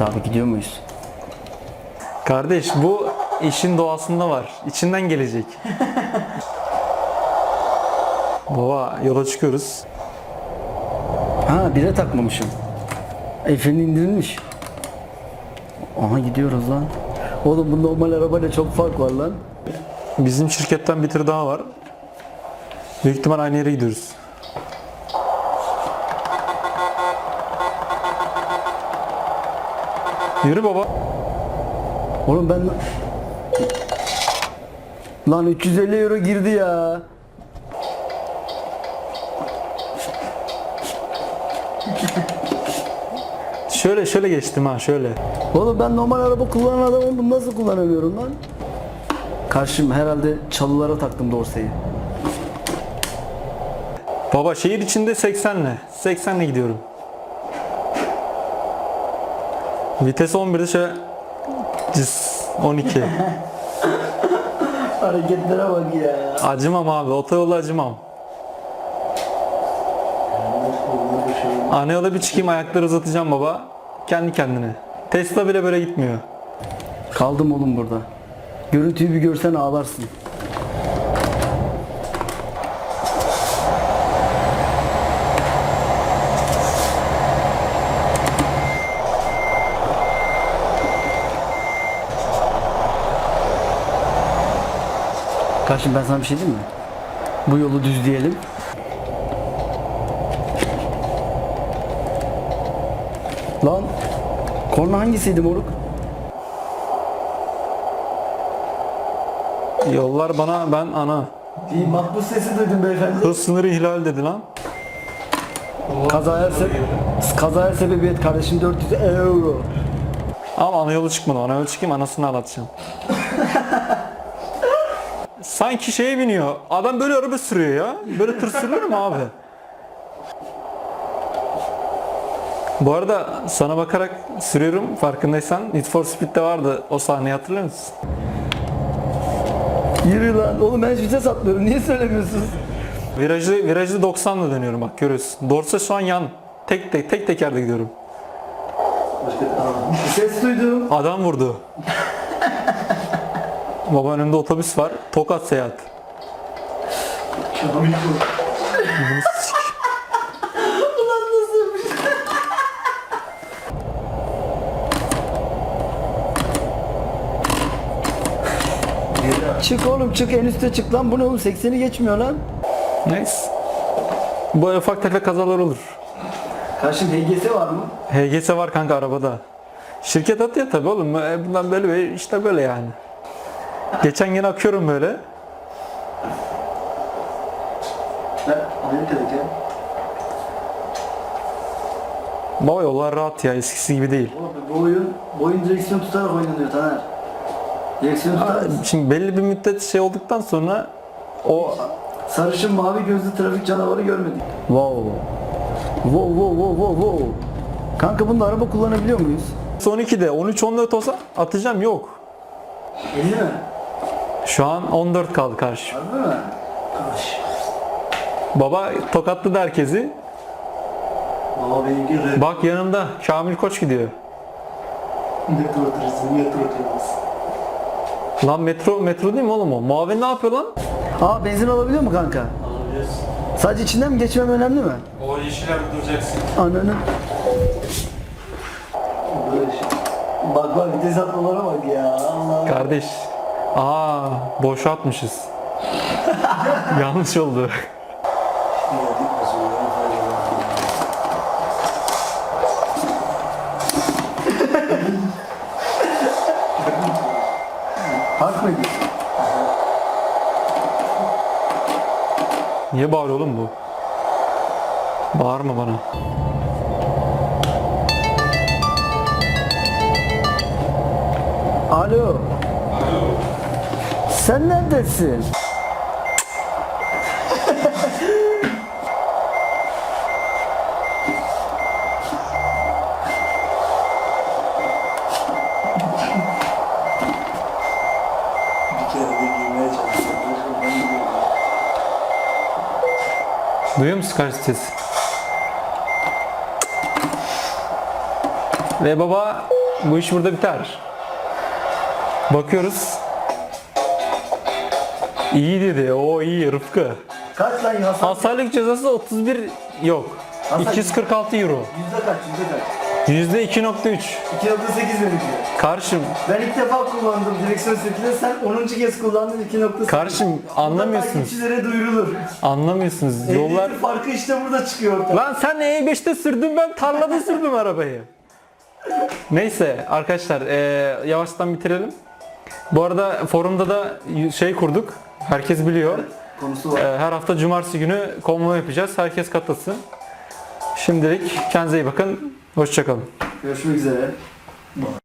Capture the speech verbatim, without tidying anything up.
Evet abi, gidiyor muyuz? Kardeş, bu işin doğasında var. İçinden gelecek. Baba, yola çıkıyoruz. Ha, bire takmamışım. Efe'nin indirilmiş. Aha, gidiyoruz lan. Oğlum bu normal arabayla çok fark var lan. Bizim şirketten bir tır daha var. Büyük ihtimal aynı yere gidiyoruz. Yürü baba. Oğlum ben... Lan üç yüz elli euro girdi ya. Şöyle şöyle geçtim ha, şöyle. Oğlum ben normal araba kullanan adamım, bunu nasıl kullanamıyorum lan? Karşım herhalde çalılara taktım dorseyi. Baba, şehir içinde seksenle. seksenle gidiyorum. Vites on birde şöyle cız, on iki. Hareketlere bak ya. Acımam abi, otoyolda acımam. Ana yola bir çıkayım, ayakları uzatacağım baba. Kendi kendine. Tesla bile böyle gitmiyor. Kaldım oğlum burada. Görüntüyü bir görsen ağlarsın. Karşım, ben sana bir şey diyeyim mi? Bu yolu düzleyelim. Lan, korna hangisiydi moruk? Yollar bana, ben ana. Bir mahpus sesi duydum beyefendi. Hız sınırı ihlal dedi lan. Kazaya, se- kazaya sebebiyet kardeşim, dört yüz euro. Ama ana yolu çıkmadı. Ana yolu çıkayım, anasını ağlatacağım. Sanki şeye biniyor. Adam böyle araba sürüyor ya. Böyle tır sürülür mü abi? Bu arada sana bakarak sürüyorum, farkındaysan. Need for Speed'de vardı o sahneyi, hatırlıyor musun? Yürü lan. Oğlum ben hiç vites atmıyorum. Niye söylemiyorsunuz? Virajlı, virajlı doksanla dönüyorum, bak görüyorsun. Dorsa şu an yan. Tek tek tek tekerde gidiyorum. Ses duydum. Adam vurdu. Baba, önümde otobüs var. Tokat seyahat. Bunu sik- Ulan nasıl bir şey? Çık oğlum, çık, en üste çık lan. Bu ne oğlum, sekseni geçmiyor lan. Neyse. Bu ufak tefek kazalar olur. Karşım H G S var mı? H G S var kanka arabada. Şirket atıyor tabi oğlum. E, Bundan böyle böyle, işte böyle yani. Geçen gün akıyorum böyle. Ben Amerika'daki. Baba, yollar rahat ya, eskisi gibi değil. Oğlum bu oyun, bu oyun direksiyon tutarak oynanıyor Taner. Direksiyon tutarak. Şimdi belli bir müddet şey olduktan sonra o Sarışın mavi gözlü trafik canavarı görmedik. Wow. Wow wow wow wow wow. Kanka bunda araba kullanabiliyor muyuz? son ikide on üç on dört olsa atacağım, yok. elli mi? Şu an on dört kaldı karşı. Harbi mi? Karış. Baba tokatladı herkesi. Baba benimki rap. Bak yanımda Kamil Koç gidiyor. Metro turizm, metro turizm. Lan metro metro değil mi oğlum o? Muavin ne yapıyor lan? Aa, benzin alabiliyor mu kanka? Alabiliyorsun. Sadece içinden mi geçmem önemli mi? O yeşillerde duracaksın. Ananı. Böyle şey. Bak bak, vites atmalara bak ya. Allah. Kardeş. Aa, boşa atmışız. Yanlış oldu. Park mı ediyorsun? Niye bağırıyor oğlum bu? Bağırma bana. Alo. Alo. Sen neredesin? Bir kere de giymeye çalıştım. Duyuyor musun karşı ses? Ve baba bu iş burada biter. Bakıyoruz. İyi dedi. O iyi Rıfkı. Kaç lan hasar? Hasarlık cezası otuz bir yok. Hasar- iki yüz kırk altı euro. Yüzde kaç? Yüzde kaç? yüzde iki nokta üç. iki nokta sekiz benimki. Karşım, Ben ilk defa kullandım direksiyon setini. Sen onuncu kez kullandın iki nokta sekiz. karşım anlamıyorsunuz. Takipçilere duyurulur. Anlamıyorsunuz. Yollar... Yollar farkı işte burada çıkıyor ortaya. Lan sen E beşte sürdün, ben tarlada sürdüm arabayı. Neyse arkadaşlar eee, yavaştan bitirelim. Bu arada forumda da şey kurduk. Herkes biliyor. Konusu var. Eee, her hafta cumartesi günü konvoy yapacağız. Herkes katılsın. Şimdilik kendinize iyi bakın. Hoşça kalın. Görüşmek üzere.